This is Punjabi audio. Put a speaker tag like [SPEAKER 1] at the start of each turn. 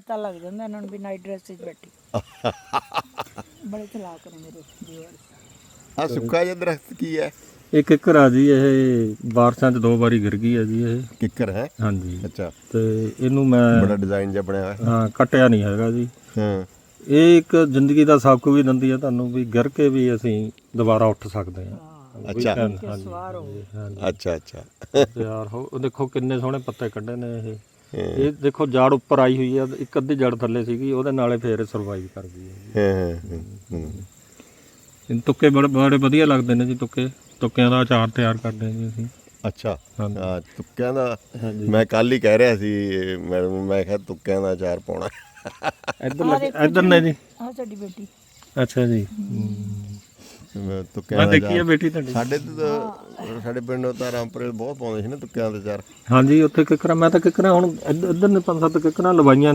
[SPEAKER 1] ਪਤਾ ਲੱਗ ਜਾਂਦਾ ਇਹਨਾਂ ਨੂੰ ਵੀ ਨਾਈਟ ਡਰੈਸ 'ਚ ਬੈਠੀ। ਬੜੇ ਚਲਾਕ ਨੇ ਮੇਰੇ ਵੀਵਰ।
[SPEAKER 2] ਆ ਸੁੱਕਾ ਜਿਹਾ ਦਰਖਤ ਕੀ ਹੈ?
[SPEAKER 3] ਇਹ ਕਿੱਕਰ ਆ ਜੀ, ਇਹ ਬਾਰਿਸ਼ਾਂ 'ਚ 2 ਵਾਰੀ ਗਿਰ ਗਈ ਹੈ ਜੀ ਇਹ।
[SPEAKER 2] ਕਿੱਕਰ ਹੈ?
[SPEAKER 3] ਹਾਂਜੀ।
[SPEAKER 2] ਅੱਛਾ।
[SPEAKER 3] ਤੇ ਇਹਨੂੰ ਮੈਂ
[SPEAKER 2] ਬੜਾ ਡਿਜ਼ਾਈਨ ਜਿਹਾ ਬਣਿਆ ਹੋਇਆ।
[SPEAKER 3] ਹਾਂ, ਕੱਟਿਆ ਨਹੀਂ ਹੈਗਾ ਜੀ।
[SPEAKER 2] ਹਾਂ।
[SPEAKER 3] ਇਹ ਇੱਕ ਜ਼ਿੰਦਗੀ ਦਾ ਸਬਕ ਵੀ ਦਿੰਦੀ ਹੈ ਤੁਹਾਨੂੰ ਵੀ ਗਿਰ ਕੇ ਵੀ ਅਸੀਂ ਦੁਬਾਰਾ ਉੱਠ ਸਕਦੇ ਹਾਂ।
[SPEAKER 2] ਅੱਛਾ।
[SPEAKER 1] ਸਵਾਰ ਹੋ
[SPEAKER 2] ਅੱਛਾ ਅੱਛਾ।
[SPEAKER 3] ਯਾਰ ਉਹ ਦੇਖੋ ਕਿੰਨੇ ਸੋਹਣੇ ਪੱਤੇ ਕੱਢੇ ਨੇ ਇਹ। ਇਹ ਦੇਖੋ ਜੜ ਉੱਪਰ ਆਈ ਹੋਈ ਆ, ਇੱਕ ਅੱਧੀ ਜੜ ਥੱਲੇ ਸੀਗੀ, ਉਹਦੇ ਨਾਲੇ ਫੇਰ ਸਰਵਾਈਵ ਕਰ ਗਈ ਹੈ। ਇਹ ਤੁੱਕੇ ਬੜੇ ਵਧੀਆ ਲੱਗਦੇ ਨੇ ਜੀ। ਤੁੱਕਿਆਂ ਦਾ ਅਚਾਰ ਤਿਆਰ ਕਰਦੇ ਹਾਂ ਜੀ ਅਸੀਂ।
[SPEAKER 2] ਅੱਛਾ। ਹਾਂ, ਤੁੱਕਿਆਂ ਦਾ ਮੈਂ ਕੱਲ ਹੀ ਕਹਿ ਰਿਹਾ ਸੀ ਮੈਡਮ ਨੂੰ, ਮੈਂ ਕਿਹਾ ਤੁੱਕਿਆਂ ਦਾ ਅਚਾਰ ਪਾਉਣਾ।
[SPEAKER 3] ਇੱਧਰ ਨੇ ਜੀ।
[SPEAKER 1] ਆਹ ਸਾਡੀ ਬੇਟੀ।
[SPEAKER 3] ਅੱਛਾ ਜੀ।
[SPEAKER 2] ਤੁੱਕਿਆਂ ਦਾ
[SPEAKER 3] ਦੇਖੀ ਆ ਬੇਟੀ ਤੁਹਾਡੀ।
[SPEAKER 2] ਸਾਡੇ ਪਿੰਡ ਤਾਂ ਰਾਮਪੁਰੇ ਬਹੁਤ ਪਾਉਂਦੇ ਸੀ ਨਾ ਤੁੱਕਿਆਂ ਦਾ ਅਚਾਰ।
[SPEAKER 3] ਹਾਂਜੀ, ਉੱਥੇ ਕਿੱਕਰਾਂ, ਮੈਂ ਤਾਂ ਕਿੱਕਰਾਂ ਹੁਣ ਇੱਧਰ ਨੇ 5-7 ਕਿੱਕਰਾਂ ਲਵਾਈਆਂ